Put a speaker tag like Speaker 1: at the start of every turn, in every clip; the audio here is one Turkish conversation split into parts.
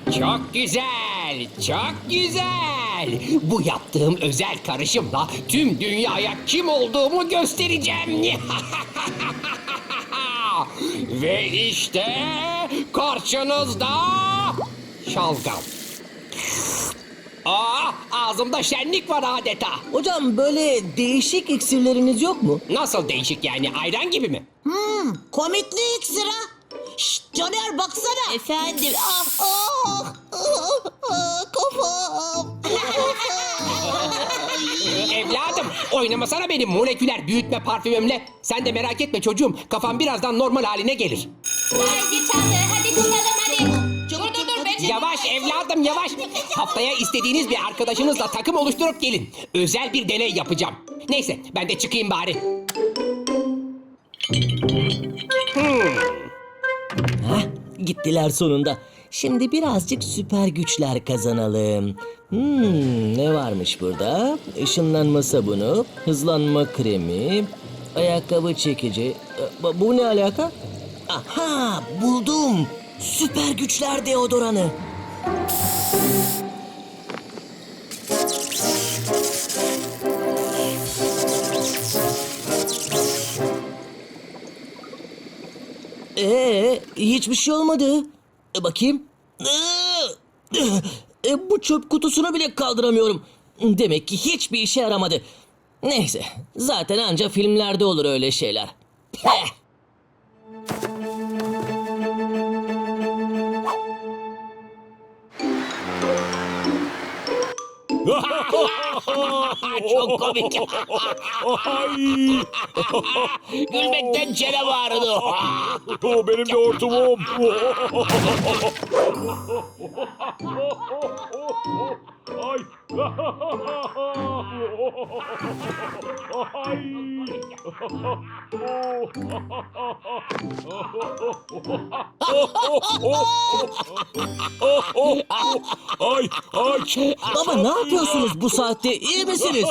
Speaker 1: Çok güzel, çok güzel. Bu yaptığım özel karışımla tüm dünyaya kim olduğumu göstereceğim. Ve işte karşınızda şalgam. Ağzımda şenlik var adeta.
Speaker 2: Hocam böyle değişik iksirleriniz yok mu?
Speaker 1: Nasıl değişik yani, ayran gibi mi?
Speaker 3: Komikli iksir ha. Şşt Caner baksana.
Speaker 4: Efendim.
Speaker 3: Kafam.
Speaker 1: Evladım, oynamasana benim moleküler büyütme parfümümle. Sen de merak etme çocuğum, kafam birazdan normal haline gelir.
Speaker 4: Hadi çaldı. Hadi çıkalım hadi. Dur. Ben
Speaker 1: Yavaş evladım, yavaş. Haftaya istediğiniz bir arkadaşınızla takım oluşturup gelin. Özel bir deney yapacağım. Neyse, ben de çıkayım bari.
Speaker 2: Gittiler sonunda. Şimdi birazcık süper güçler kazanalım. Ne varmış burada? Işınlanma sabunu, hızlanma kremi, ayakkabı çekici. Bu ne alaka? Aha, buldum. Süper güçler deodoranı. Hiçbir şey olmadı. Bakayım. Bu çöp kutusunu bile kaldıramıyorum. Demek ki hiçbir işe yaramadı. Neyse, zaten anca filmlerde olur öyle şeyler. Heh.
Speaker 1: Çok komik. Gülmekten çenem ağrıdı.
Speaker 5: O benim de hortumum. Ay. Ay. Ay.
Speaker 2: Baba ne yapıyorsunuz bu saatte? İyi misiniz?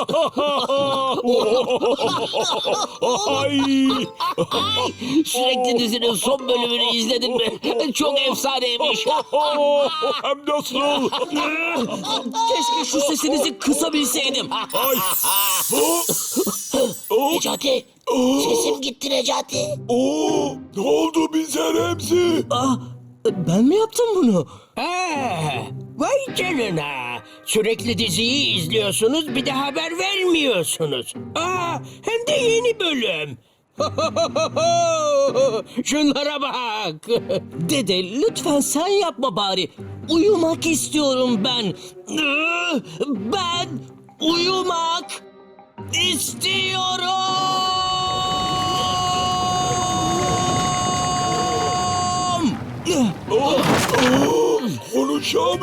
Speaker 5: Ay.
Speaker 1: Sürekli dizinin son bölümünü izledin mi? Çok efsaneymiş.
Speaker 5: Hem nasıl?
Speaker 2: Keşke şu sesinizi kısabilseydim.
Speaker 5: Ay.
Speaker 3: Necati. Sesim gitti Necati.
Speaker 5: Ne oldu bize Remzi?
Speaker 2: Ben mi yaptım bunu?
Speaker 1: Vay canına. Sürekli diziyi izliyorsunuz, bir de haber vermiyorsunuz. Hem de yeni bölüm. Şunlara bak.
Speaker 2: Dede lütfen sen yapma bari. Uyumak istiyorum ben. Ben uyumak istiyorum.
Speaker 5: Konuşam.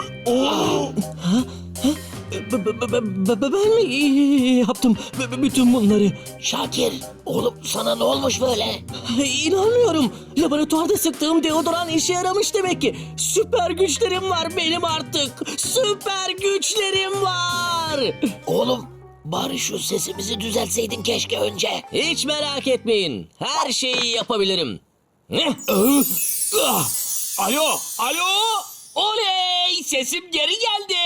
Speaker 2: Ben mi yaptım bütün bunları?
Speaker 3: Şakir oğlum sana ne olmuş böyle?
Speaker 2: İnanmıyorum. Laboratuvarda sıktığım deodoran işe yaramış demek ki. Süper güçlerim var benim artık. Süper güçlerim var.
Speaker 3: Oğlum bari şu sesimizi düzeltseydin keşke önce.
Speaker 2: Hiç merak etmeyin. Her şeyi yapabilirim.
Speaker 1: Alo. Oley, sesim geri geldi.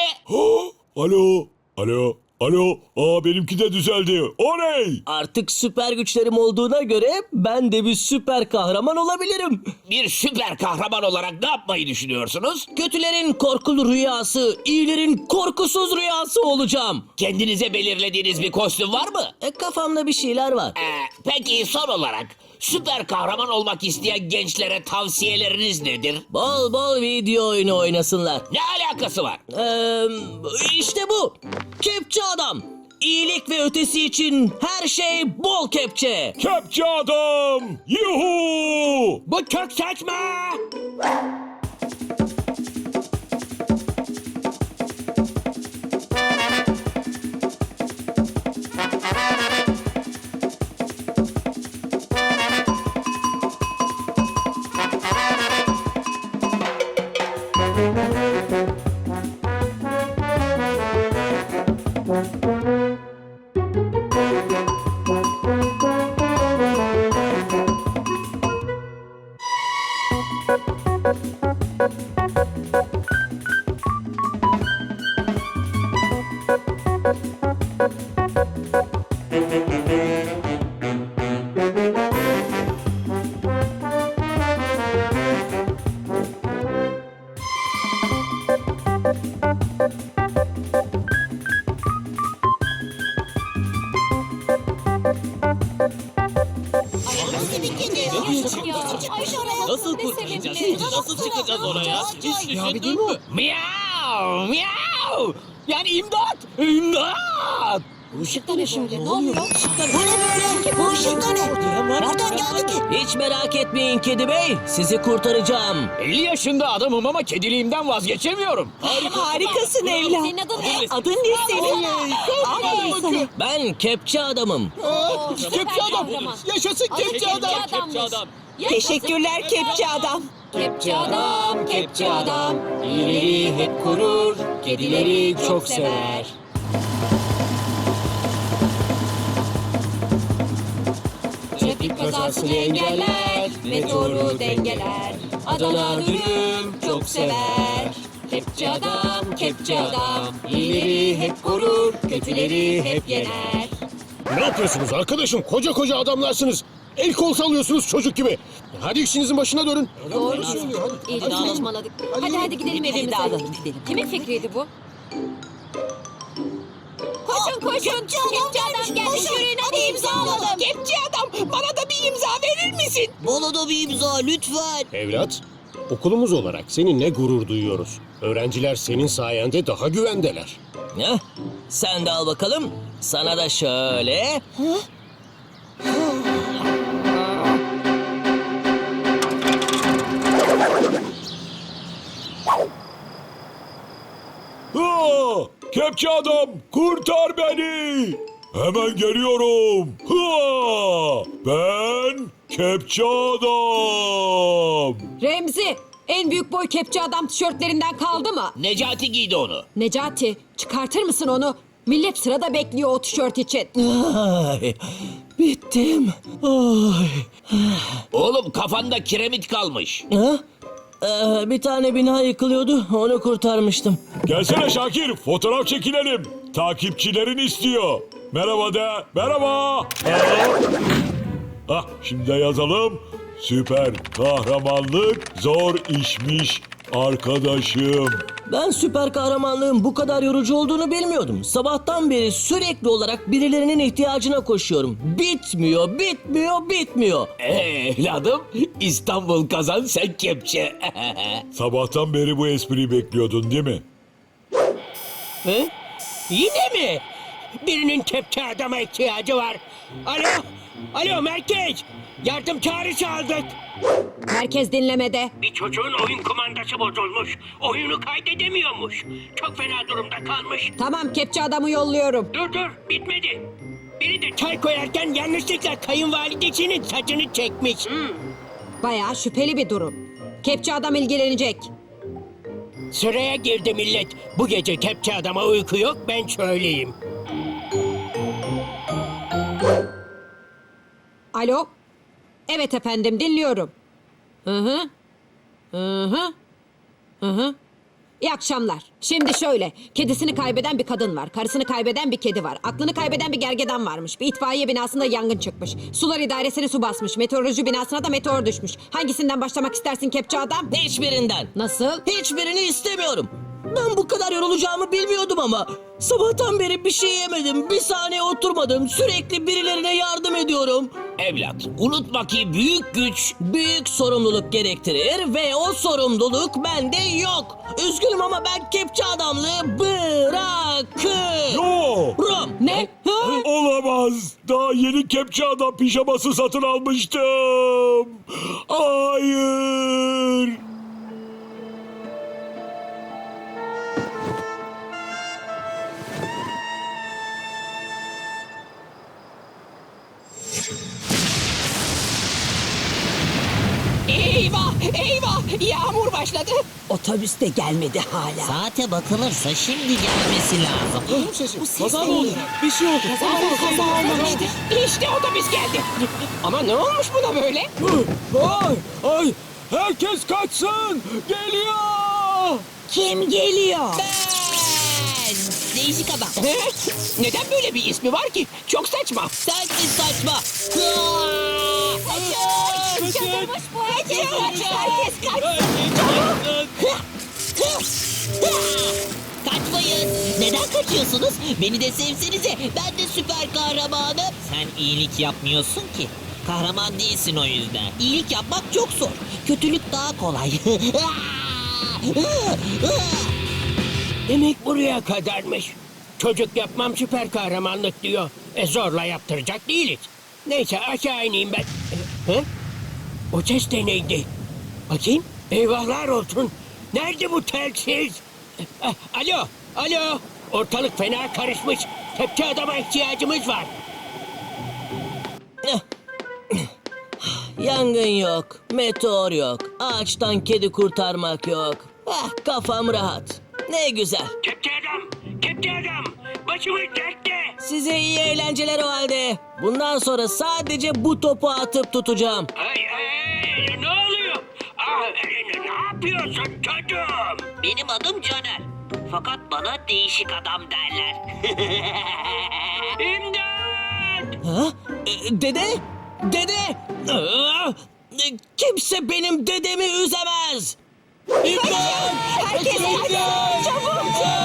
Speaker 5: Alo. Benimki de düzeldi. Oley.
Speaker 2: Artık süper güçlerim olduğuna göre ben de bir süper kahraman olabilirim.
Speaker 1: Bir süper kahraman olarak ne yapmayı düşünüyorsunuz?
Speaker 2: Kötülerin korkulu rüyası, iyilerin korkusuz rüyası olacağım.
Speaker 1: Kendinize belirlediğiniz bir kostüm var mı?
Speaker 2: Kafamda bir şeyler var.
Speaker 1: Peki son olarak süper kahraman olmak isteyen gençlere tavsiyeleriniz nedir?
Speaker 2: Bol bol video oyunu oynasınlar.
Speaker 1: Ne alakası var?
Speaker 2: İşte bu. Kepçe adam. İyilik ve ötesi için her şey bol kepçe.
Speaker 5: Kepçe adam. Yuhu.
Speaker 1: Bu çok saçma.
Speaker 6: Thank you.
Speaker 2: Nasıl kurtulacağız? Nasıl çıkacağız oraya? Hiç düşündün mü?
Speaker 1: Miyav miyav. Yani imdat. İmdat.
Speaker 2: Bu ışık da ne şimdi? Ne oluyor?
Speaker 3: Bu ne böyle? Bu ışık da ne? Nereden geldi ki?
Speaker 2: Hiç merak etmeyin kedi bey. Sizi kurtaracağım.
Speaker 1: 50 yaşında adamım ama kediliğimden vazgeçemiyorum.
Speaker 6: Harikasın evlat.
Speaker 4: Senin adın ne?
Speaker 6: Adın ne senin? Aferin sana.
Speaker 2: Ben kepçe adamım.
Speaker 4: Kepçe adam.
Speaker 2: Yaşasın
Speaker 4: Kepçe adam.
Speaker 6: Teşekkürler kepçe adam.
Speaker 4: Kepçe adam, kepçe adam.
Speaker 1: İyileri hep korur, kedileri çok sever.
Speaker 4: Trafik kazasını engeller, meteoru dengeler. Adana dürüm çok sever. Kepçe adam, kepçe adam. İyileri hep korur, kötüleri hep yener.
Speaker 5: Ne yapıyorsunuz arkadaşım? Koca koca adamlarsınız. El kol sallıyorsunuz çocuk gibi. Hadi işinizin başına dönün.
Speaker 4: Doğru söylüyor. İyi saçmaladık. Hadi gidelim evimize.
Speaker 6: Dağılalım gidelim.
Speaker 4: Kimin fikriydi bu? Koşun.
Speaker 3: Kepçe adam gelmiş.
Speaker 4: Yürüyün hadi imzalayalım.
Speaker 6: Kepçe adam bana da bir imza verir misin?
Speaker 3: Bana da bir imza lütfen.
Speaker 5: Evlat, okulumuz olarak seninle gurur duyuyoruz. Öğrenciler senin sayende daha güvendeler.
Speaker 2: Heh, sen de al bakalım. Sana da şöyle.
Speaker 5: Ha! Kepçe adam, kurtar beni! Hemen geliyorum. Ha! Ben Kepçe adam.
Speaker 7: Remzi, en büyük boy kepçe adam tişörtlerinden kaldı mı?
Speaker 1: Necati giydi onu.
Speaker 7: Necati, çıkartır mısın onu? Millet sırada bekliyor o tişört için.
Speaker 2: Ay, bittim. Ay.
Speaker 1: Oğlum kafanda kiremit kalmış.
Speaker 2: Ha? Bir tane bina yıkılıyordu. Onu kurtarmıştım.
Speaker 5: Gelsene Şakir, fotoğraf çekilelim. Takipçilerin istiyor. Merhaba de, merhaba. Şimdi de yazalım. Süper kahramanlık zor işmiş arkadaşım.
Speaker 2: Ben süper kahramanlığın bu kadar yorucu olduğunu bilmiyordum. Sabahtan beri sürekli olarak birilerinin ihtiyacına koşuyorum. Bitmiyor.
Speaker 1: Evladım İstanbul kazan sen kepçe.
Speaker 5: Sabahtan beri bu espriyi bekliyordun değil mi?
Speaker 1: He? Yine mi? Birinin kepçe adama ihtiyacı var. Alo merkez. Yardım çağrısı aldık.
Speaker 7: Herkes dinlemede.
Speaker 8: Bir çocuğun oyun kumandası bozulmuş. Oyunu kaydedemiyormuş. Çok fena durumda kalmış.
Speaker 7: Tamam, kepçe adamı yolluyorum.
Speaker 8: Dur bitmedi. Biri de çay koyarken yanlışlıkla kayınvalidesinin saçını çekmiş.
Speaker 7: Bayağı şüpheli bir durum. Kepçe adam ilgilenecek.
Speaker 8: Sıraya girdi millet. Bu gece kepçe adama uyku yok ben söyleyeyim.
Speaker 7: Alo? Evet efendim, dinliyorum. Hı hı. İyi akşamlar. Şimdi şöyle, kedisini kaybeden bir kadın var, karısını kaybeden bir kedi var, aklını kaybeden bir gergedan varmış, bir itfaiye binasında yangın çıkmış, sular idaresini su basmış, meteoroloji binasına da meteor düşmüş. Hangisinden başlamak istersin kepçe adam?
Speaker 2: Hiçbirinden.
Speaker 7: Nasıl?
Speaker 2: Hiçbirini istemiyorum. Ben bu kadar yorulacağımı bilmiyordum ama. Sabahtan beri bir şey yemedim, bir saniye oturmadım. Sürekli birilerine yardım ediyorum.
Speaker 1: Evlat unutma ki büyük güç.
Speaker 2: Büyük sorumluluk gerektirir ve o sorumluluk bende yok. Üzgünüm ama ben kepçe adamlığı bırakıyorum.
Speaker 5: Yo!
Speaker 7: Ne?
Speaker 5: Olamaz. Daha yeni kepçe adam pijaması satın almıştım. Hayır.
Speaker 6: Eyvah! Yağmur başladı.
Speaker 2: Otobüs de gelmedi hala.
Speaker 3: Saate bakılırsa şimdi gelmesi lazım.
Speaker 2: Kaza mı oldu? Bir şey oldu.
Speaker 6: Kaza olmamıştı. İşte otobüs geldi. Ama ne olmuş buna böyle?
Speaker 5: Ay! Herkes kaçsın! Geliyor!
Speaker 3: Kim geliyor? Değişik adam.
Speaker 6: He? Neden böyle bir ismi var ki? Çok saçma.
Speaker 3: Sensin saçma.
Speaker 4: Çıldırmış bu herkes.
Speaker 6: Herkes kaç.
Speaker 3: Kaçmayın. Neden kaçıyorsunuz? Beni de sevsenize. Ben de süper kahramanım. Sen iyilik yapmıyorsun ki.
Speaker 2: Kahraman değilsin o yüzden. İyilik yapmak çok zor. Kötülük daha kolay.
Speaker 8: Demek buraya kadarmış. Çocuk yapmam süper kahramanlık diyor. Zorla yaptıracak değiliz. Neyse aşağı ineyim ben. Hı? O ses de neydi? Bakayım. Eyvahlar olsun. Nerede bu telsiz? Alo, alo. Ortalık fena karışmış. Kepçe adama ihtiyacımız var.
Speaker 2: Yangın yok, meteor yok, ağaçtan kedi kurtarmak yok. Kafam rahat. Ne güzel.
Speaker 8: Kepçe adam, kepçe adam. Başımız dertte.
Speaker 2: Size iyi eğlenceler o halde. Bundan sonra sadece bu topu atıp tutacağım.
Speaker 8: Ay, ne oluyor? Ne yapıyorsun çocuğum?
Speaker 2: Benim adım Caner. Fakat bana değişik adam derler.
Speaker 8: İmdat!
Speaker 2: Ha? Dede? Dede! Kimse benim dedemi üzemez. İmdat!
Speaker 7: Herkes çabuk.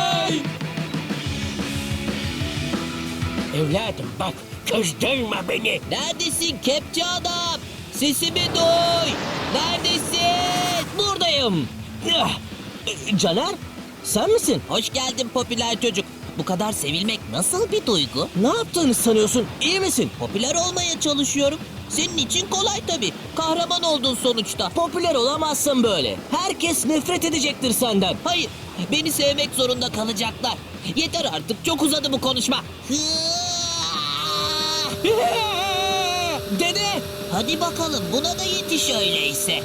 Speaker 8: Evladım bak, kızdırma beni.
Speaker 2: Neredesin kepçe adam? Sesimi duy. Neredesin? Buradayım. Caner, sen misin? Hoş geldin popüler çocuk. Bu kadar sevilmek nasıl bir duygu? Ne yaptığını sanıyorsun? İyi misin? Popüler olmaya çalışıyorum. Senin için kolay tabii. Kahraman oldun sonuçta. Popüler olamazsın böyle. Herkes nefret edecektir senden. Hayır, beni sevmek zorunda kalacaklar. Yeter artık, çok uzadı bu konuşma. Dede! Hadi bakalım, buna da yetiş öyleyse.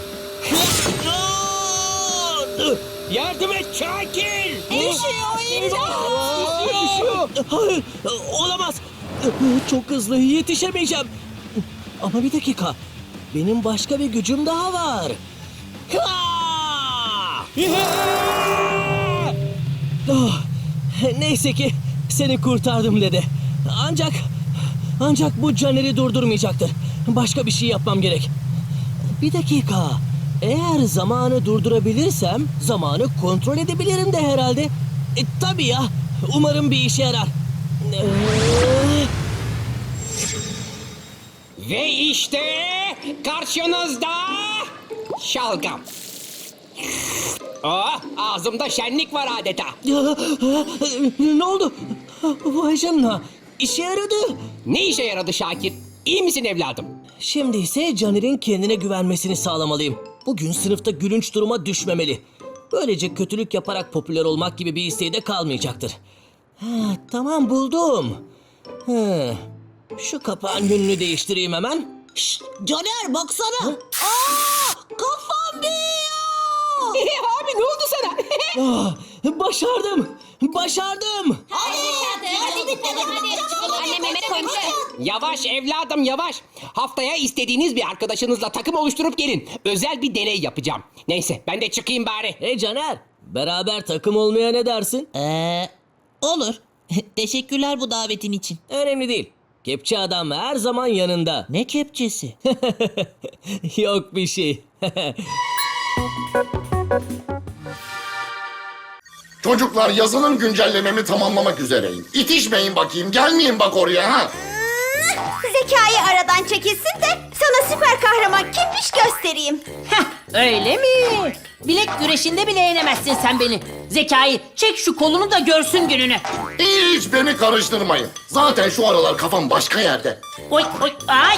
Speaker 8: Yardım et Şakir!
Speaker 2: Hayır, olamaz. Çok hızlı, yetişemeyeceğim. Ama bir dakika. Benim başka bir gücüm daha var. Neyse ki seni kurtardım dede. Ancak bu Caner'i durdurmayacaktır. Başka bir şey yapmam gerek. Bir dakika. Eğer zamanı durdurabilirsem zamanı kontrol edebilirim de herhalde. Tabii ya. Umarım bir işe yarar.
Speaker 1: Ve işte karşınızda şalgam. Oh, ağzımda şenlik var adeta.
Speaker 2: Ne oldu? Vay canına. İşe yaradı.
Speaker 1: Ne işe yaradı Şakir? İyi misin evladım?
Speaker 2: Şimdi ise Caner'in kendine güvenmesini sağlamalıyım. Bugün sınıfta gülünç duruma düşmemeli. Böylece kötülük yaparak popüler olmak gibi bir isteği de kalmayacaktır. Tamam buldum. Şu kapağın yönünü değiştireyim hemen.
Speaker 3: Şşt, Caner baksana. Kafam büyüyor.
Speaker 1: Abi ne oldu sana?
Speaker 2: Başardım.
Speaker 4: Hadi gidelim hadi. Annem yemek koymuş.
Speaker 1: Yavaş evladım yavaş. Haftaya istediğiniz bir arkadaşınızla takım oluşturup gelin. Özel bir deney yapacağım. Neyse ben de çıkayım bari.
Speaker 2: Hey Caner, beraber takım olmaya ne dersin?
Speaker 9: Olur. Teşekkürler bu davetin için.
Speaker 2: Önemli değil. Kepçe adam her zaman yanında.
Speaker 9: Ne kepçesi?
Speaker 2: Yok bir şey.
Speaker 10: Çocuklar yazılım güncellememi tamamlamak üzereyim. İtişmeyin bakayım, gelmeyin bak oraya ha.
Speaker 3: Zekai aradan çekilsin de sana süper kahraman kimmiş göstereyim.
Speaker 11: Öyle mi? Bilek güreşinde bile yenemezsin sen beni. Zekai, çek şu kolunu da görsün gününü.
Speaker 10: Hiç beni karıştırmayın. Zaten şu aralar kafam başka yerde.
Speaker 11: Oy oy ay.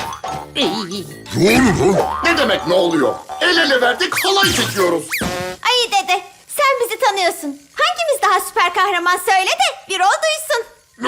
Speaker 10: Ne demek ne oluyor? El ele verdik, halay çekiyoruz.
Speaker 3: Ay dede sen bizi tanıyorsun. Hangimiz daha süper kahraman söyle de bir o duysun.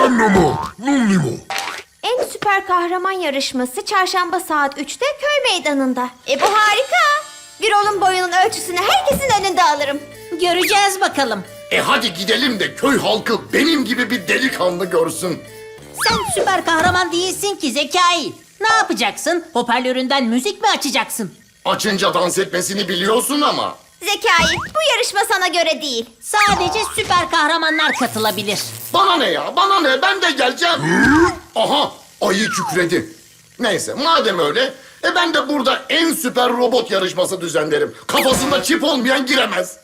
Speaker 3: En süper kahraman yarışması çarşamba saat 3'te köy meydanında. Bu harika. Birol'un boyunun ölçüsünü herkesin önünde alırım.
Speaker 11: Göreceğiz bakalım.
Speaker 10: Hadi gidelim de köy halkı benim gibi bir delikanlı görsün.
Speaker 11: Sen süper kahraman değilsin ki Zekai. Ne yapacaksın? Hoparlöründen müzik mi açacaksın?
Speaker 10: Açınca dans etmesini biliyorsun ama.
Speaker 3: Zekai bu yarışma sana göre değil.
Speaker 11: Sadece süper kahramanlar katılabilir.
Speaker 10: Bana ne ya, bana ne, ben de geleceğim. Aha, ayı kükredi. Neyse, madem öyle, ben de burada en süper robot yarışması düzenlerim. Kafasında çip olmayan giremez.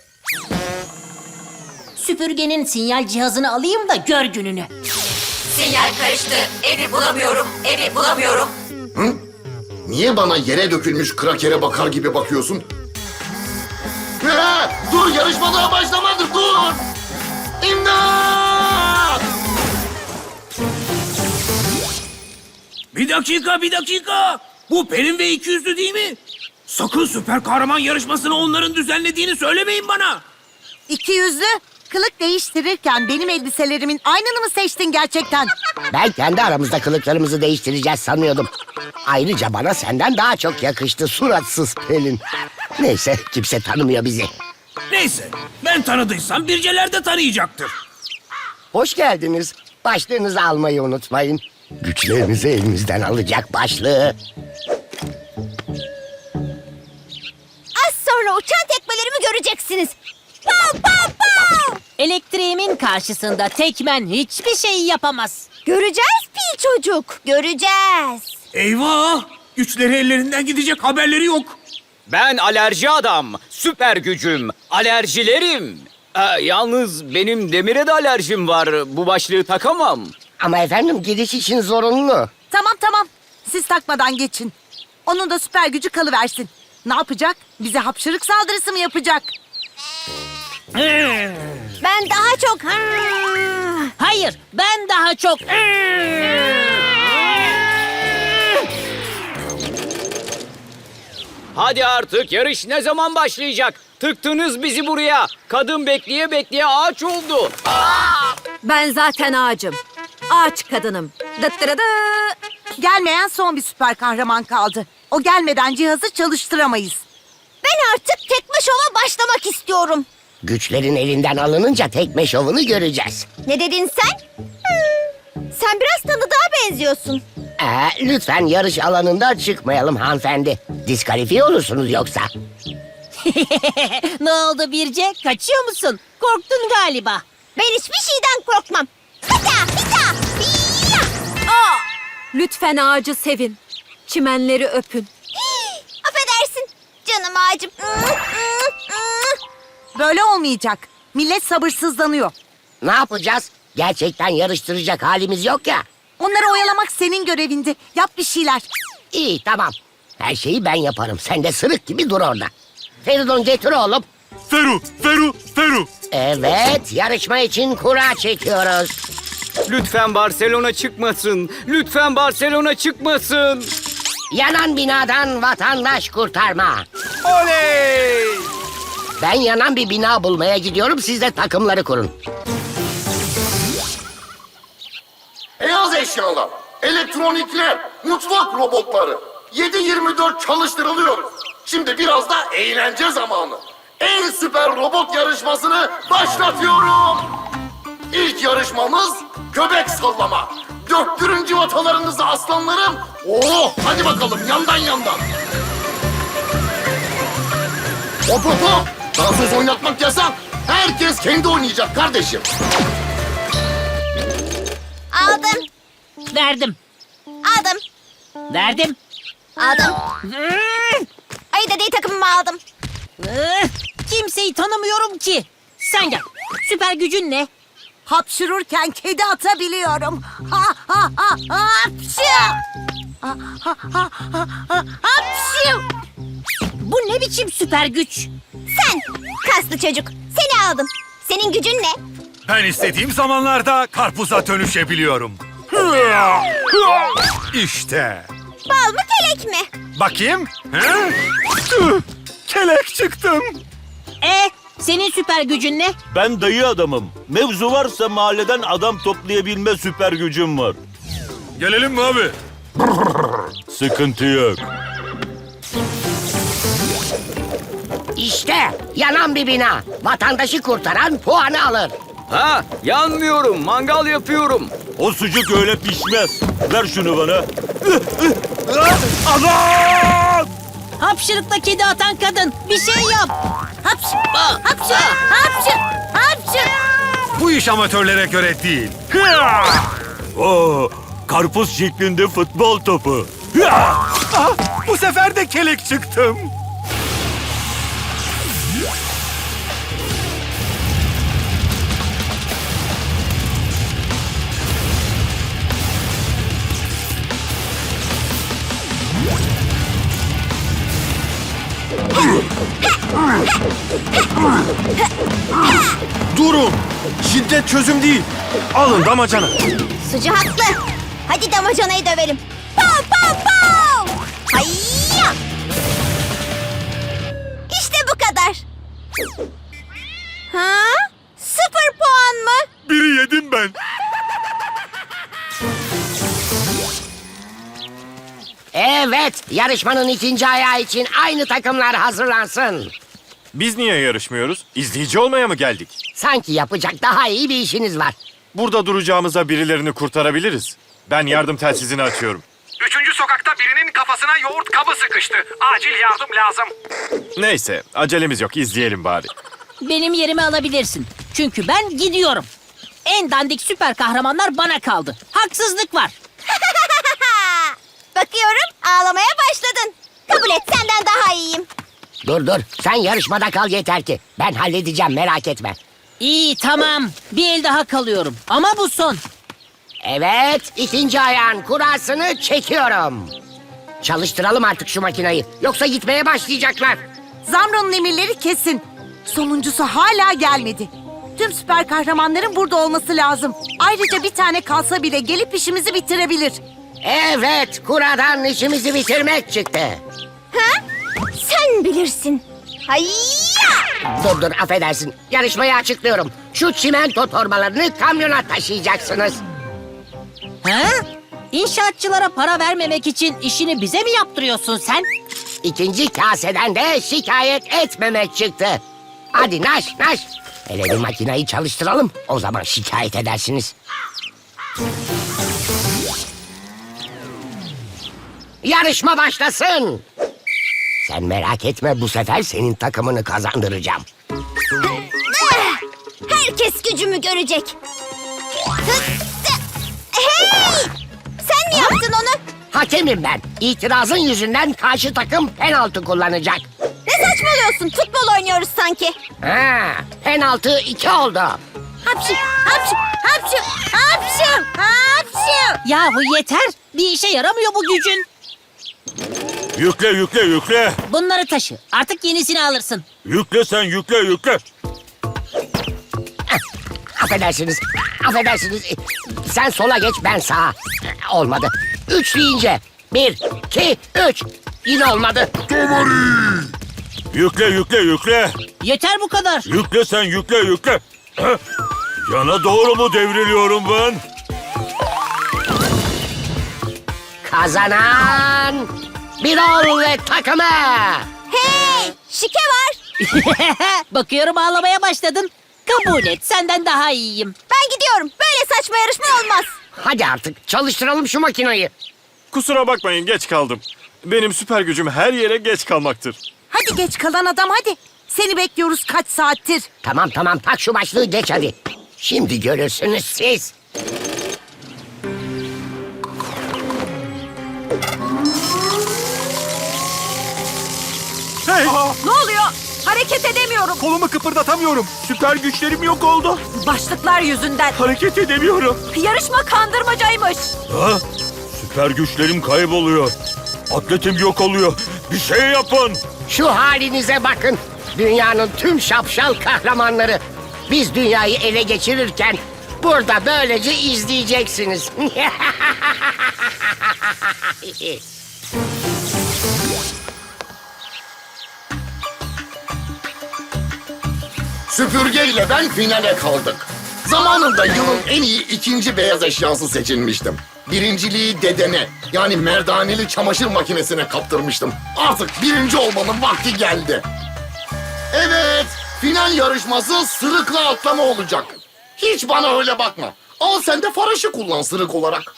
Speaker 11: Süpürgenin sinyal cihazını alayım da gör gününü.
Speaker 4: Sinyal karıştı. Evi bulamıyorum.
Speaker 10: Niye bana yere dökülmüş krakere bakar gibi bakıyorsun? Dur, yarışma daha başlamadı, dur! İmdat!
Speaker 8: Bir dakika. Bu Pelin ve İkiyüzlü değil mi? Sakın süper kahraman yarışmasını onların düzenlediğini söylemeyin bana.
Speaker 12: İki yüzlü, kılık değiştirirken benim elbiselerimin aynını mı seçtin gerçekten?
Speaker 1: Ben kendi aramızda kılıklarımızı değiştireceğiz sanıyordum. Ayrıca bana senden daha çok yakıştı suratsız Pelin. Neyse kimse tanımıyor bizi.
Speaker 8: Neyse, ben tanıdıysam Birceler de tanıyacaktır.
Speaker 1: Hoş geldiniz. Başlığınızı almayı unutmayın. Güçlerinizi elimizden alacak başlığı.
Speaker 3: Az sonra uçan tekmelerimi göreceksiniz. Pow pow pow!
Speaker 11: Elektriğimin karşısında tekmen hiçbir şey yapamaz.
Speaker 3: Göreceğiz pil çocuk. Göreceğiz.
Speaker 8: Eyvah! Güçleri ellerinden gidecek, haberleri yok.
Speaker 13: Ben alerji adam. Süper gücüm. Alerjilerim. Yalnız benim demire de alerjim var. Bu başlığı takamam.
Speaker 1: Ama efendim giriş için zorunlu.
Speaker 12: Tamam. Siz takmadan geçin. Onun da süper gücü kalıversin. Ne yapacak? Bize hapşırık saldırısı mı yapacak?
Speaker 3: Ben daha çok...
Speaker 11: Hayır, ben daha çok...
Speaker 13: Hadi artık, yarış ne zaman başlayacak? Tıktınız bizi buraya. Kadın bekleye bekleye ağaç oldu.
Speaker 7: Ben zaten ağacım. Ağaç kadınım. Dıttırıdı.
Speaker 12: Gelmeyen son bir süper kahraman kaldı. O gelmeden cihazı çalıştıramayız.
Speaker 3: Ben artık tekme şova başlamak istiyorum.
Speaker 1: Güçlerin elinden alınınca tekme şovunu göreceğiz.
Speaker 3: Ne dedin sen? Sen biraz tanıdığa benziyorsun.
Speaker 1: Lütfen yarış alanında çıkmayalım hanımefendi. Diskalifiye olursunuz yoksa.
Speaker 11: Ne oldu Birce? Kaçıyor musun? Korktun galiba.
Speaker 3: Ben hiçbir şeyden korkmam. Hita!
Speaker 7: Lütfen ağacı sevin. Çimenleri öpün.
Speaker 3: Affedersin canım ağacım.
Speaker 12: Böyle olmayacak. Millet sabırsızlanıyor.
Speaker 1: Ne yapacağız? Gerçekten yarıştıracak halimiz yok ya.
Speaker 12: Onları oyalamak senin görevindi. Yap bir şeyler.
Speaker 1: İyi tamam. Her şeyi ben yaparım. Sen de sırık gibi dur orada. Feridun getir oğlum.
Speaker 5: Feru.
Speaker 1: Evet yarışma için kura çekiyoruz.
Speaker 13: Lütfen Barcelona çıkmasın. Lütfen Barcelona çıkmasın.
Speaker 1: Yanan binadan vatandaş kurtarma.
Speaker 13: Oley!
Speaker 1: Ben yanan bir bina bulmaya gidiyorum. Siz de takımları kurun.
Speaker 10: Beyaz eşyalar, elektronikler, mutfak robotları. 7/24 çalıştırılıyor. Şimdi biraz da eğlence zamanı. En süper robot yarışmasını başlatıyorum. İlk yarışmamız göbek sallama. Döktürün civatalarınızı aslanlarım. Hadi bakalım yandan. Hop. Dansöz oynatmak yasak. Herkes kendi oynayacak kardeşim.
Speaker 3: Aldım.
Speaker 11: Verdim.
Speaker 3: Aldım. Ayı dediği takımımı aldım.
Speaker 11: Kimseyi tanımıyorum ki. Sen gel. Süper gücün ne?
Speaker 12: Hapşırırken kedi atabiliyorum. Hapşı! Hapşı!
Speaker 11: Bu ne biçim süper güç?
Speaker 3: Sen kaslı çocuk. Seni aldım. Senin gücün ne?
Speaker 5: Ben istediğim zamanlarda karpuza dönüşebiliyorum. İşte.
Speaker 3: Bal mı kelek mi?
Speaker 5: Bakayım. Kelek çıktım.
Speaker 11: Senin süper gücün ne?
Speaker 14: Ben dayı adamım. Mevzu varsa mahalleden adam toplayabilme süper gücüm var.
Speaker 5: Gelelim mi abi?
Speaker 14: Sıkıntı yok.
Speaker 1: İşte yanan bir bina. Vatandaşı kurtaran puanı alır.
Speaker 13: Yanmıyorum, mangal yapıyorum.
Speaker 14: O sucuk öyle pişmez. Ver şunu bana. Adam!
Speaker 11: Hapşırıkla kedi atan kadın. Bir şey yap. Hapşı.
Speaker 5: Bu iş amatörlere göre değil.
Speaker 14: Karpuz şeklinde futbol topu.
Speaker 5: Bu sefer de kelek çıktım. Durun! Şiddet çözüm değil. Alın damacana.
Speaker 3: Sucu haklı. Hadi damacanayı dövelim. Pow pow pow! Hayya! İşte bu kadar. Ha? 0 puan mı?
Speaker 5: Biri yedim ben.
Speaker 6: Evet, yarışmanın ikinci ayağı için aynı takımlar hazırlansın.
Speaker 5: Biz niye yarışmıyoruz? İzleyici olmaya mı geldik?
Speaker 6: Sanki yapacak daha iyi bir işiniz var.
Speaker 5: Burada duracağımıza birilerini kurtarabiliriz. Ben yardım telsizini açıyorum.
Speaker 15: 3. sokakta birinin kafasına yoğurt kabı sıkıştı. Acil yardım lazım.
Speaker 5: Neyse, acelemiz yok. İzleyelim bari.
Speaker 11: Benim yerimi alabilirsin. Çünkü ben gidiyorum. En dandik süper kahramanlar bana kaldı. Haksızlık var.
Speaker 3: Bakıyorum ağlamaya başladın. Kabul et, senden daha iyiyim.
Speaker 6: Dur, sen yarışmada kal yeter ki. Ben halledeceğim, merak etme.
Speaker 11: İyi tamam. Bir el daha kalıyorum. Ama bu son.
Speaker 6: Evet, ikinci ayağın kurasını çekiyorum. Çalıştıralım artık şu makinayı. Yoksa gitmeye başlayacaklar.
Speaker 12: Zamro'nun emirleri kesin. Sonuncusu hala gelmedi. Tüm süper kahramanların burada olması lazım. Ayrıca bir tane kalsa bile gelip işimizi bitirebilir.
Speaker 6: Evet, kuradan işimizi bitirmek çıktı.
Speaker 3: Ha? Sen bilirsin. Hayya!
Speaker 6: Dur, affedersin. Yarışmayı açıklıyorum. Şu çimento torbalarını kamyona taşıyacaksınız.
Speaker 11: Ha? İnşaatçılara para vermemek için işini bize mi yaptırıyorsun sen?
Speaker 6: İkinci kaseden de şikayet etmemek çıktı. Hadi naş. Hele bir makinayı çalıştıralım. O zaman şikayet edersiniz. Yarışma başlasın. Sen merak etme, bu sefer senin takımını kazandıracağım.
Speaker 3: Herkes gücümü görecek. Hey! Sen mi yaptın onu?
Speaker 6: Hakemim ben. İtirazın yüzünden karşı takım penaltı kullanacak.
Speaker 3: Ne saçmalıyorsun? Futbol oynuyoruz sanki.
Speaker 6: Ha, penaltı 2 oldu.
Speaker 3: Hapşu, hapşu, hapşu, hapşu, hapşu.
Speaker 11: Yahu yeter. Bir işe yaramıyor bu gücün.
Speaker 14: Yükle.
Speaker 11: Bunları taşı. Artık yenisini alırsın.
Speaker 14: Yükle sen yükle.
Speaker 6: Affedersiniz. Sen sola geç, ben sağa. Olmadı. 3 deyince. 1, 2, 3. Yine olmadı.
Speaker 14: Yükle.
Speaker 11: Yeter bu kadar.
Speaker 14: Yükle sen yükle. Heh. Yana doğru mu devriliyorum ben?
Speaker 6: Kazanan Birol ve takımı.
Speaker 3: Hey! Şike var.
Speaker 11: Bakıyorum ağlamaya başladın. Kabul et, senden daha iyiyim.
Speaker 3: Ben gidiyorum. Böyle saçma yarışma olmaz.
Speaker 6: Hadi artık çalıştıralım şu makinayı.
Speaker 5: Kusura bakmayın, geç kaldım. Benim süper gücüm her yere geç kalmaktır.
Speaker 12: Hadi geç kalan adam hadi. Seni bekliyoruz kaç saattir.
Speaker 6: Tamam, tak şu başlığı, geç hadi. Şimdi görürsünüz siz.
Speaker 5: Hey!
Speaker 12: Ne oluyor? Hareket edemiyorum.
Speaker 5: Kolumu kıpırdatamıyorum. Süper güçlerim yok oldu.
Speaker 12: Başlıklar yüzünden.
Speaker 5: Hareket edemiyorum.
Speaker 12: Yarışma kandırmacaymış.
Speaker 14: Ha? Süper güçlerim kayboluyor. Atletim yok oluyor. Bir şey yapın.
Speaker 6: Şu halinize bakın. Dünyanın tüm şapşal kahramanları. Biz dünyayı ele geçirirken burada böylece izleyeceksiniz.
Speaker 10: Süpürge ile ben finale kaldık. Zamanında yılın en iyi ikinci beyaz eşyası seçilmiştim. Birinciliği dedene, yani merdaneli çamaşır makinesine kaptırmıştım. Artık birinci olmanın vakti geldi. Evet, final yarışması sırıkla atlama olacak. Hiç bana öyle bakma. Al sen de faraşı kullan sırık olarak.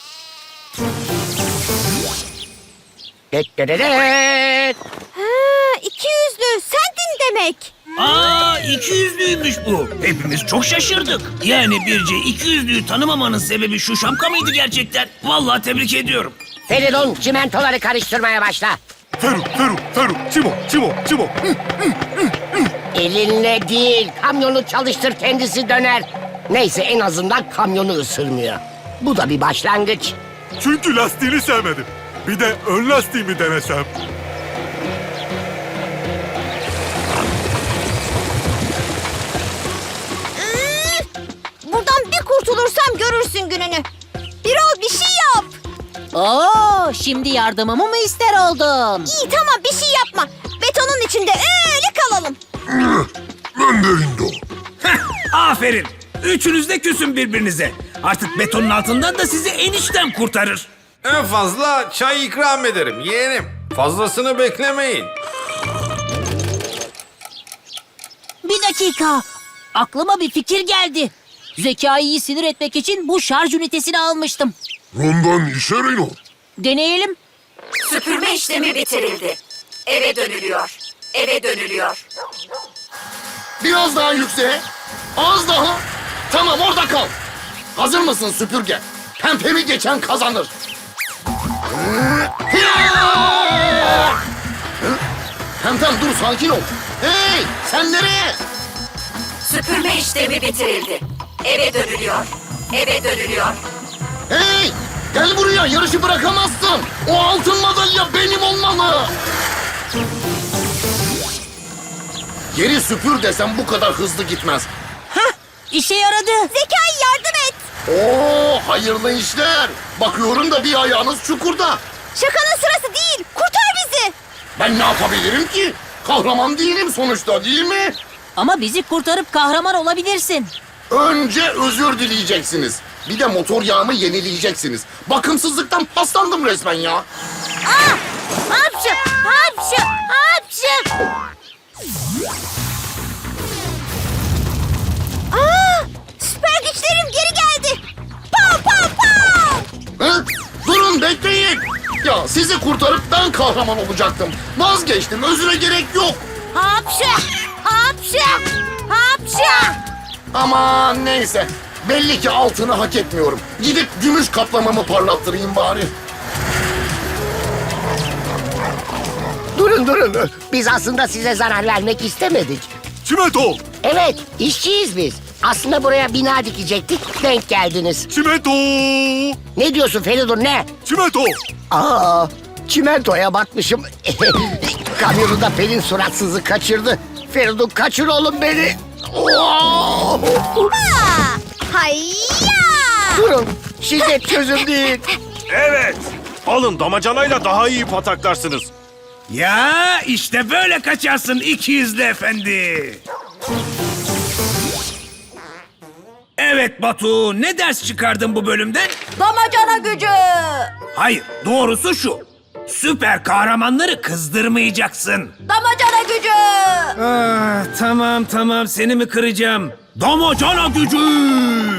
Speaker 3: Ha, 200'lü. Sendin demek.
Speaker 2: Aa, 200'lüymüş bu. Hepimiz çok şaşırdık. Yani Birce 200'lüyü tanımamanın sebebi şu şapka mıydı gerçekten? Vallahi tebrik ediyorum.
Speaker 6: Feridun, çimentoları karıştırmaya başla.
Speaker 5: Feru, Çimo.
Speaker 6: Elinle değil, kamyonu çalıştır, kendisi döner. Neyse, en azından kamyonu ısırmıyor. Bu da bir başlangıç.
Speaker 5: Çünkü lastiğini sevmedim. Bir de ön lastiğimi denesem.
Speaker 11: Oo, şimdi yardımımı mı ister oldun?
Speaker 3: İyi tamam bir şey yapma. Betonun içinde öyle kalalım.
Speaker 10: Ben de Rindo.
Speaker 15: Aferin. Üçünüz de küsün birbirinize. Artık betonun altından da sizi enişten kurtarır.
Speaker 16: En fazla çay ikram ederim yeğenim. Fazlasını beklemeyin.
Speaker 11: Bir dakika. Aklıma bir fikir geldi. Zekai'yi sinir etmek için bu şarj ünitesini almıştım.
Speaker 10: Rondan işe Rino.
Speaker 11: Deneyelim.
Speaker 12: Süpürme işlemi bitirildi. Eve dönülüyor. Eve dönülüyor.
Speaker 10: Biraz daha yükseğe. Az daha. Tamam orada kal. Hazır mısın süpürge? Pempemi geçen kazanır. Pempem dur sakin ol. Hey sen nereye?
Speaker 12: Süpürme işlemi bitirildi. Eve dönülüyor. Eve dönülüyor.
Speaker 10: Hey gel buraya yarışı bırakamazsın. O altın madalya benim olmalı. Geri süpür desem bu kadar hızlı gitmez.
Speaker 11: İşe yaradı.
Speaker 3: Zekai yardım et.
Speaker 10: Oo hayırlı işler. Bakıyorum da bir ayağınız çukurda.
Speaker 3: Şakanın sırası değil. Kurtar bizi.
Speaker 10: Ben ne yapabilirim ki? Kahraman değilim sonuçta değil mi?
Speaker 11: Ama bizi kurtarıp kahraman olabilirsin.
Speaker 10: Önce özür dileyeceksiniz. Bir de motor yağımı yenileyeceksiniz. Bakımsızlıktan paslandım resmen ya.
Speaker 12: Hapşı! Hapşı! Hapşı!
Speaker 3: Süper güçlerim geri geldi. Pow pow pow.
Speaker 10: Hı? Durun bekleyin. Ya sizi kurtarıp ben kahraman olacaktım. Vazgeçtim özüre gerek yok.
Speaker 12: Hapşı! Hapşı! Hapşı!
Speaker 10: Aman neyse. Belli ki altını hak etmiyorum. Gidip gümüş kaplamamı parlattırayım bari.
Speaker 6: Durun. Biz aslında size zarar vermek istemedik.
Speaker 14: Çimento!
Speaker 6: Evet, işçiyiz biz. Aslında buraya bina dikecektik, denk geldiniz.
Speaker 14: Çimento!
Speaker 6: Ne diyorsun Feridun ne?
Speaker 14: Çimento!
Speaker 6: Aa, çimentoya batmışım. Kamyonu da Pelin suratsızı kaçırdı. Feridun kaçır oğlum beni. Oo!
Speaker 3: Hayya.
Speaker 6: Durun, şiddet çözüm değil.
Speaker 14: Evet! Alın damacanayla daha iyi pataklarsınız.
Speaker 15: Ya işte böyle kaçarsın ikiyüzlü efendi. Evet Batu, ne ders çıkardın bu bölümden?
Speaker 3: Damacana gücü.
Speaker 15: Hayır, doğrusu şu. Süper kahramanları kızdırmayacaksın.
Speaker 3: Damacana gücü.
Speaker 15: Tamam seni mi kıracağım? Damacana gücü!